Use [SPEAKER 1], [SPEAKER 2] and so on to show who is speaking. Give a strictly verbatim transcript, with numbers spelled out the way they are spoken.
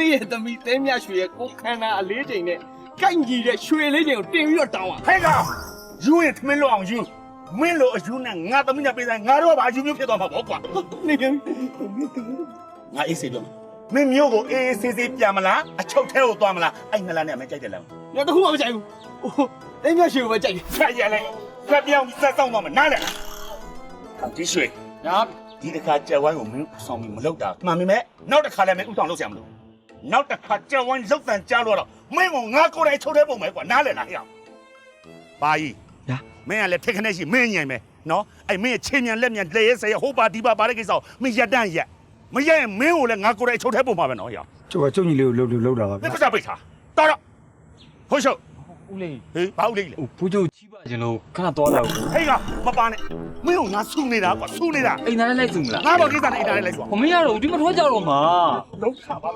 [SPEAKER 1] ရဲ့သမီးတဲမြရွှေရဲ့ကိုခန္ဓာအလေးချိန်နဲ့ကိုက်ကြီးတဲ့ရွှေလေးချိန်ကိုတင်ပြီးတော့တောင်းပါ
[SPEAKER 2] ဟဲ့ကောင်ယူရင်ထမင်းလို့အောင်ယူမင်းလို့အယူနဲ့ငါသမီးနဲ့ပေးဆိုင်ငါတို့ကဘာအယူမျိုးဖြစ်သွားမှာပေါ့ကွာ
[SPEAKER 1] နေက
[SPEAKER 2] ငါအေးစေပြောမင်းမျိုးကိုအေးအေးဆေးဆေးပြန်မလားအချုပ်ထဲကိုသွားမလားအဲ့ငါလာနဲ့အမေကြိုက်တယ်လား
[SPEAKER 1] ရတခုမှမကြိုက်ဘူးတဲမြရွှေကိုပဲကြိုက်တယ်
[SPEAKER 2] ဆက်ရလဲဆက်ပြောင်းဆက်ဆောင်သွားမယ်နားလဲဒီရွှေ
[SPEAKER 1] ညာ
[SPEAKER 2] ဒီတစ်ခါကြက်ဝိုင်းကိုမင်းဆောင်ပြီးမလုပ်တာမှန်ပြီမဲ့နောက်တစ်ခါလည်းမင်းဥဆောင်လုပ်ဆရာမလို့နောက်တစ်ခါကြက်ဝိုင်းလုတ်တန်ကြားလို့တော့မင်းကငါကိုယ်တိုင်ချုပ်ထဲပုံမယ်ကွာနားလဲလားဟဲ့ဘာကြီးညာမင်းကလည်းထက်ခနဲ့ရှိမင်းညင်မယ်နော်အဲ့မင်းချင်းမြန်လက်မြန်လက်ရဲဆဲဟိုပါဒီပါပါတဲ့ကိစ္စကိုမင်းရက်တန့်ရက်မရက်ရင်မင်းကိုလည်းငါကိုယ်တိုင်ချုပ်ထဲပုံမှာပဲနော်ဟဲ့
[SPEAKER 3] ကျုပ်ကကျုပ်ညီလေးကိုလှုပ်လှုပ်တာပါ
[SPEAKER 2] မင်းကစားပိတ်ထားတော်တော့ဟုတ်ရှုပ်
[SPEAKER 4] ဦးလေး
[SPEAKER 2] ဟေးဘာဦးလေးလဲ
[SPEAKER 4] ဟိုဖူးချုပ်ကြီးပါကျွန်တော်ခဏတော့လာဘူး
[SPEAKER 2] ဟေးကမပါနဲ့မင်းကငါဆူနေတာကွာဆူနေတာ
[SPEAKER 4] အိမ်သားနဲ့လိုက်စုမလား
[SPEAKER 2] ငါဘာကိစ္စနဲ့အိမ်သားနဲ့လိုက်ကွာ
[SPEAKER 4] မမရတော့ဒီမထွက်ကြတော့မှာ
[SPEAKER 2] လုံးခါပါ